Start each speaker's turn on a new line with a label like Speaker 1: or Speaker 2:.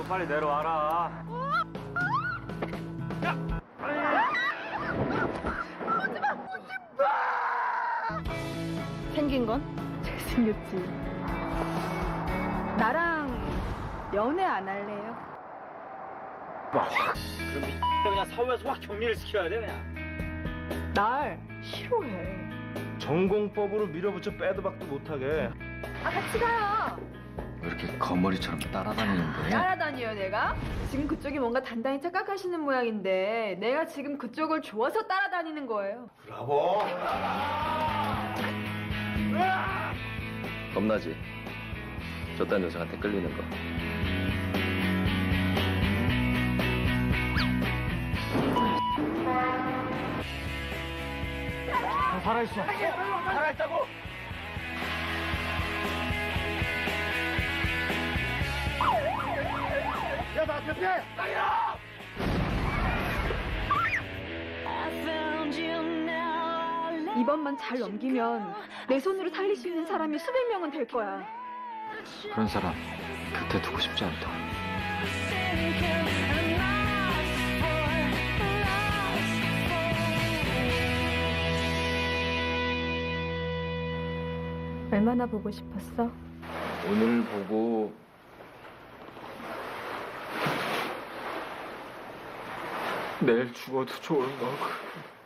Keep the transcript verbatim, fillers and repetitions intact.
Speaker 1: 빨리 내려와라. 야!
Speaker 2: 생긴 건 잘생겼지. 나랑 연애 안 할래요?
Speaker 1: 와, 확. 그럼 이 그냥 사후에서 확 격리를 시켜야 돼 그냥.
Speaker 2: 날 싫어해.
Speaker 1: 전공법으로 밀어붙여 빼도 박도 못하게.
Speaker 2: 아, 같이 가요.
Speaker 3: 왜 이렇게 거머리처럼 따라다니는 거야?
Speaker 2: 따라다녀요, 내가? 지금 그쪽이 뭔가 단단히 착각하시는 모양인데 내가 지금 그쪽을 좋아서 따라다니는 거예요.
Speaker 1: 브라보.
Speaker 3: 겁나지? 저딴 녀석한테 끌리는 거.
Speaker 1: 아, 살아있어. 살아있다고. 야, 나 대피해.
Speaker 2: 이번만 잘 넘기면 내 손으로 살릴 수 있는 사람이 수백 명은 될 거야.
Speaker 3: 그런 사람 곁에 두고 싶지 않다.
Speaker 2: 얼마나 보고 싶었어?
Speaker 3: 오늘 보고 내일 죽어도 좋을 만큼.